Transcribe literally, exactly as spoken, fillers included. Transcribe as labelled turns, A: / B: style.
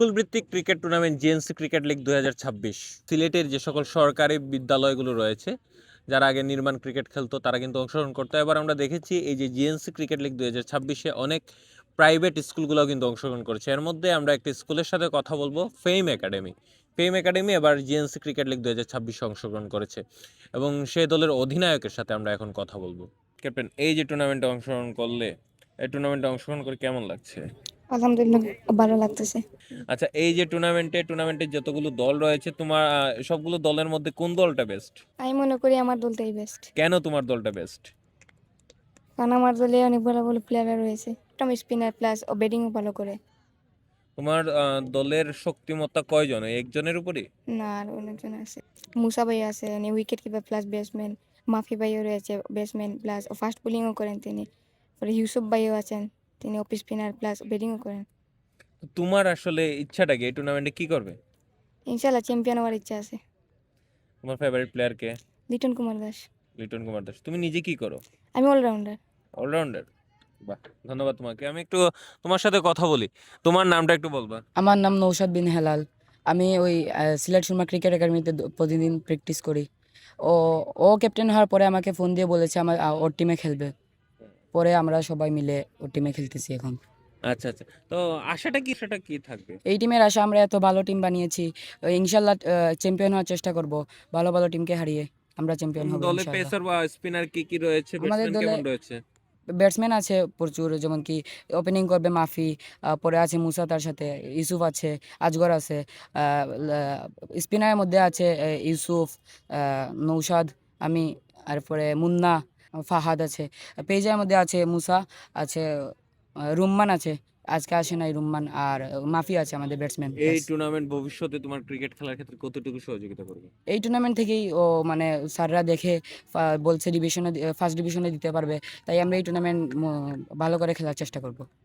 A: School ভিত্তিক cricket tournament GNC cricket league দুই হাজার ছাব্বিশ সিলেটের যে সকল সরকারি বিদ্যালয়গুলো রয়েছে, যারা আগে নির্মাণ ক্রিকেট খেলতো, তারা কিন্তু অংশগ্রহণ করতো। এবার আমরা দেখেছি এই যে জিএনসি ক্রিকেট লিগ দুই হাজার ছাব্বিশে অনেক প্রাইভেট স্কুলগুলোও কিন্তু অংশগ্রহণ করেছে। এর মধ্যে আমরা একটি স্কুলের সাথে কথা বলবো, ফেম একাডেমি। ফেম একাডেমি এবার জিএনসি ক্রিকেট লিগ দুই হাজার ছাব্বিশে অংশগ্রহণ করেছে এবং সেই দলের অধিনায়কের সাথে আমরা এখন কথা বলবো। ক্যাপ্টেন, এই যে টুর্নামেন্টে অংশগ্রহণ করলে, এই টুর্নামেন্টে অংশগ্রহণ করে কেমন লাগছে?
B: আলহামদুলিল্লাহ, ভালো লাগতেছে।
A: আচ্ছা, এই যে টুর্নামেন্টে টুর্নামেন্টে যতগুলো দল রয়েছে, তোমার আহ, সবগুলো দলের মধ্যে কোন দলটা বেস্ট?
B: আমি মনে করি আমার দলটাই বেস্ট,
A: কেন তোমার দলটা বেস্ট?
B: কারণ আমার দলে অনেক ভালো ভালো প্লেয়ার রয়েছে। একটা স্পিনার প্লাস ও ব্যাটিংও ভালো করে।
A: তোমার আহ, দলের শক্তিমত্তা কয়জন? ওই একজনের উপরই?
B: না, আর অনেকজন আছে। মুসা ভাই আছে, উনি উইকেট কিপার প্লাস ব্যাটসম্যান। মাফি ভাইও রয়েছে, ব্যাটসম্যান প্লাস ফাস্ট বোলিংও করেন তিনি। পরে ইউসুফ ভাইও আছেন, তিনি অফ স্পিনার প্লাস ব্যাটিংও করেন।
A: তো তোমার আসলে ইচ্ছাটা কি, এই টুর্নামেন্টে কি করবে?
B: ইনশাল্লাহ চ্যাম্পিয়ন হওয়ার ইচ্ছা আছে।
A: তোমার ফেভারিট প্লেয়ার কে?
B: লিটন কুমার দাস।
A: লিটন কুমার দাস। তুমি নিজে কি করো?
B: আমি অলরাউন্ডার।
A: অলরাউন্ডার। বাহ, ধন্যবাদ তোমাকে। আমি একটু তোমার সাথে কথা বলি, তোমার নামটা একটু বলবা?
C: আমার নাম নৌশাদ বিন হেলাল। আমি ওই আহ, সিলেট সুরমা ক্রিকেট একাডেমিতে দ- প্রতিদিন প্র্যাকটিস করি। ও ও ক্যাপ্টেন হওয়ার পরে আমাকে ফোন দিয়ে বলেছে আমার আহ, ওর টিমে খেলবে। পরে আমরা সবাই মিলে ওর টিমে খেলতেছি এখন।
A: আচ্ছা আচ্ছা, তো আশাটা কি, আশাটা কি থাকবে?
C: এই টিমের আশা, আমরা এত ভালো টিম বানিয়েছি, আহ, ইনশাল্লাহ চ্যাম্পিয়ন হওয়ার চেষ্টা করব। ভালো ভালো টিমকে হারিয়ে আমরা চ্যাম্পিয়ন হব
A: দলে
C: ইনশাল্লাহ।
A: পেসার বা স্পিনার কি কি রয়েছে?
C: আমাদের
A: ব্যাটসম্যান
C: দলে
A: কেমন রয়েছে?
C: ব্যাটসম্যান আছে প্রচুর, যেমন কি ওপেনিং করবে মাফি, আহ, পরে আছে মুসা, তার সাথে ইউসুফ আছে, আজগর আছে। স্পিনারের মধ্যে আছে আহ, ইউসুফ, আহ, নৌশাদ, আমি, আর পরে মুন্না, ফাহাদ আছে। পেজের মধ্যে আছে মুসা, আছে আহ, রুম্মান আছে, আজকে আসে নাই রুম্মান, আর মাফি আছে আমাদের ব্যাটসম্যান।
A: এই টুর্নামেন্ট ভবিষ্যতে তোমার ক্রিকেট খেলার ক্ষেত্রে কতটুকু সহযোগিতা করবে?
C: এই টুর্নামেন্ট থেকেই ও মানে স্যাররা দেখে ফা- বলছে ডিভিশনে, ফার্স্ট ডিভিশনে দিতে পারবে, তাই আমরা এই টুর্নামেন্ট ভালো করে খেলার চেষ্টা করব।